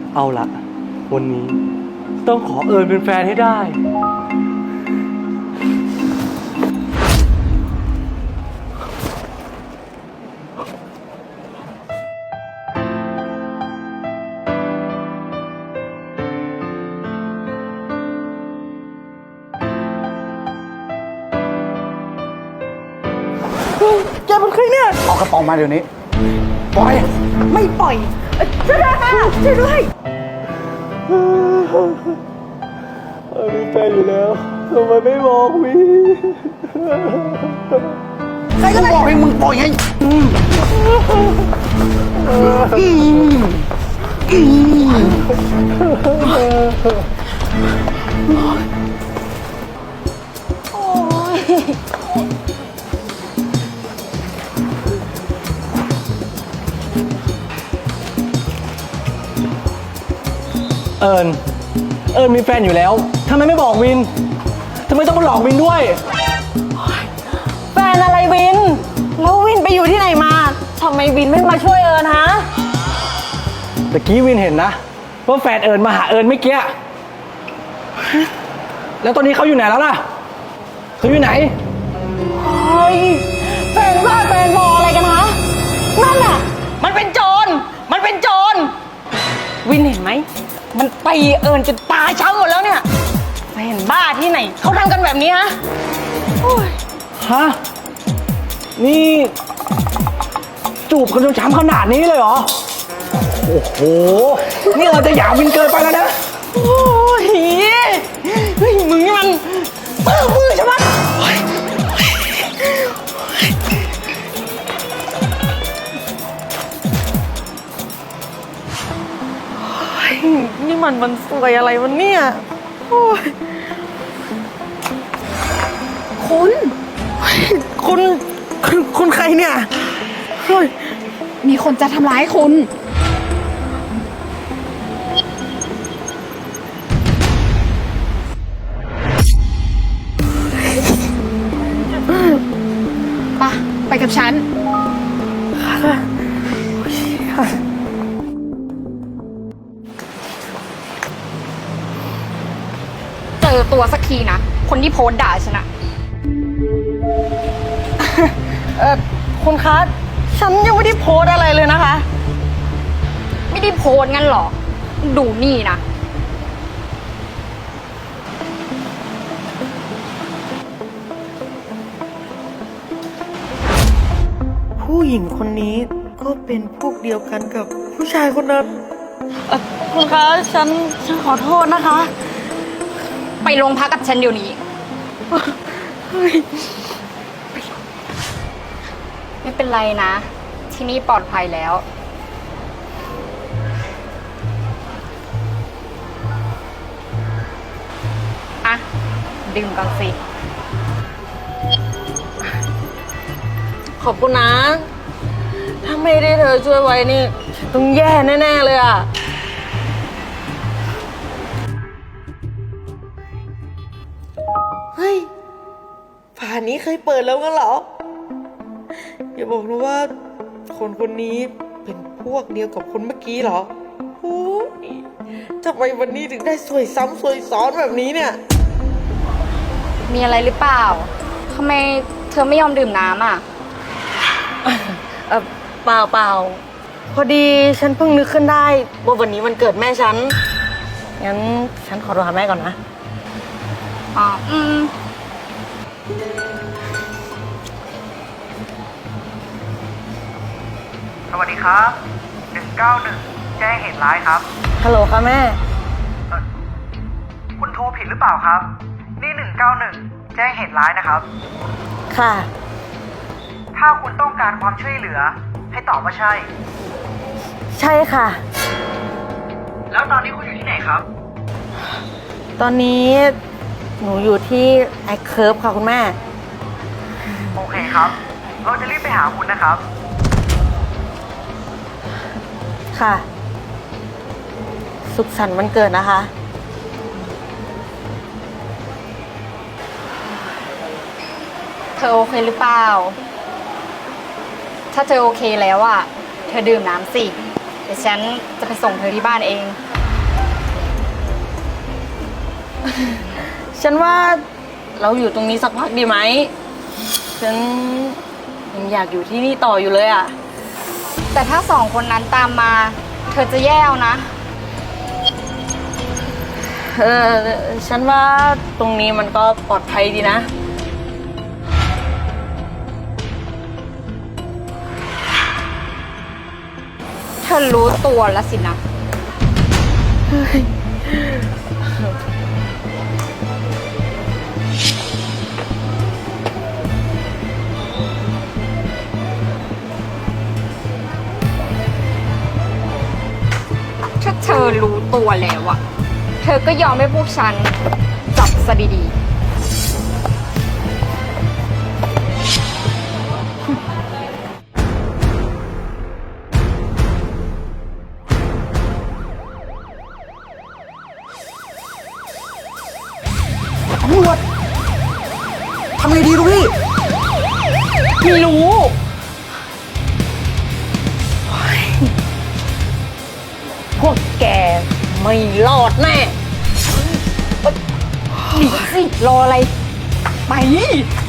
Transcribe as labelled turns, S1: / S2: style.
S1: เอาละวันนี้ต้องขอเอิญเป็นแฟนให้ได้แกเป็นใครเนี่ย
S2: เอากระป๋องมาเดี๋ยวนี้ปล่อย
S3: ไม่ปล่อยช่วยด้วยค่ะช่วยด้วย
S1: มีแฟนอยู่แล้วทำไมไม่บอกวิ
S2: ใครก็บอกให้มึงปล่อยไง
S1: เอิญมีแฟนอยู่แล้วทำไมไม่บอกวินทำไมต้องมาหลอกวินด้วย
S3: แฟนอะไรวินแล้ววินไปอยู่ที่ไหนมาทำไมวินไม่มาช่วยเอิญฮะ
S1: ตะกี้วินเห็นนะว่าแฟนเอิญมาหาเอิญเมื่อกี้แล้วตอนนี้เขาอยู่ไหนแล้วล่ะเขาอยู่ไหน
S3: เฮ้ยแฟนบ้าแฟนบออะไรกันฮะนั่นน่ะมันเป็นโจรวินเห็นไหมมันตีเอิญจนตาช้ำหมดแล้วเนี่ยแฟนบ้าที่ไหนเขาทำกันแบบนี้ฮะ
S1: ฮะนี่จูบกันจนช้ำขนาดนี้เลยเหรอโอ้โหนี่เราจะหยามวินเกินไปแล้วนะ
S3: โอ้ยเฮ้ยมึงนี่มันมือใช่ไหมนี่มันสวยอะไรวะเนี่ยโอ้ยคุณใครเนี่ยเฮ้ย
S4: มีคนจะทำร้ายคุณไปกับฉันเจอตัวสักทีนะคนที่โพสต์ด่าฉันอะ
S3: คุณคะฉันยังไม่ได้โพสอะไรเลยนะคะ
S4: ไม่ได้โพสงั้นหรอดูนี่นะ
S3: ผู้หญิงคนนี้ก็เป็นพวกเดียวกันกับผู้ชายคนนั้นคุณคะฉันขอโทษนะคะ
S4: ไปโรงพักกับฉันเดี๋ยวนี้ไม่เป็นไรนะที่นี่ปลอดภัยแล้วอะดื่มก่อนสิ
S3: ขอบคุณนะถ้าไม่ได้เธอช่วยไว้นี่ต้องแย่แน่ๆเลยอ่ะเฮ้ยฝานี้เคยเปิดแล้วกันเหรออย่าบอกนะว่าคนนี้เป็นพวกเดียวกับคนเมื่อกี้เหรอโอ้ยทำไมวันนี้ถึงได้สวยซ้ำสวยซ้อนแบบนี้เนี่ย
S4: มีอะไรหรือเปล่าทำไมเธอไม่ยอมดื่มน้ำอ่ะ
S3: เปล่าพอดีฉันเพิ่งนึกขึ้นได้ว่าวันนี้วันเกิดแม่ฉันงั้นฉันขอโทรหาแม่ก่อนนะ
S4: อ๋อ
S5: สวัสดีครับ191แจ้งเหตุร้ายครับ
S3: ฮัลโหลค่ะแม่
S5: คุณโทรผิดหรือเปล่าครับนี่191แจ้งเหตุร้ายนะครับ
S3: ค่ะ
S5: ถ้าคุณต้องการความช่วยเหลือให้ตอบว่าใช่
S3: ใช่ค่ะ
S5: แล้วตอนนี้คุณอยู่ที่ไหนครับ
S3: ตอนนี้หนูอยู่ที่ไอเคิร์ฟค่ะคุณแม่
S5: โอเคครับเราจะรีบไปหาคุณนะครับ
S3: ค่ะสุขสันต์วันเกิดนะคะ
S4: เธอโอเคหรือเปล่าถ้าเธอโอเคแล้วอ่ะเธอดื่มน้ำสิเดี๋ยวฉันจะไปส่งเธอที่บ้านเอง
S3: ฉันว่าเราอยู่ตรงนี้สักพักดีไหม ฉันยังอยากอยู่ที่นี่ต่ออยู่เลยอ่ะ
S4: แต่ถ้าสองคนนั้นตามมา เธอจะแย่เอานะ
S3: ฉันว่าตรงนี้มันก็ปลอดภัยดีนะ
S4: เธอรู้ตัวแล้วสินะ ถ้าเธอรู้ตัวแล้วอะเธอก็ยอมให้พวกฉันจับซะดีๆ
S2: ตำรวจทำไงดีลูกพี่
S3: ไม่รู้ พวกแกไม่รอดแน่
S4: หนีสิ รออะไร
S3: ไป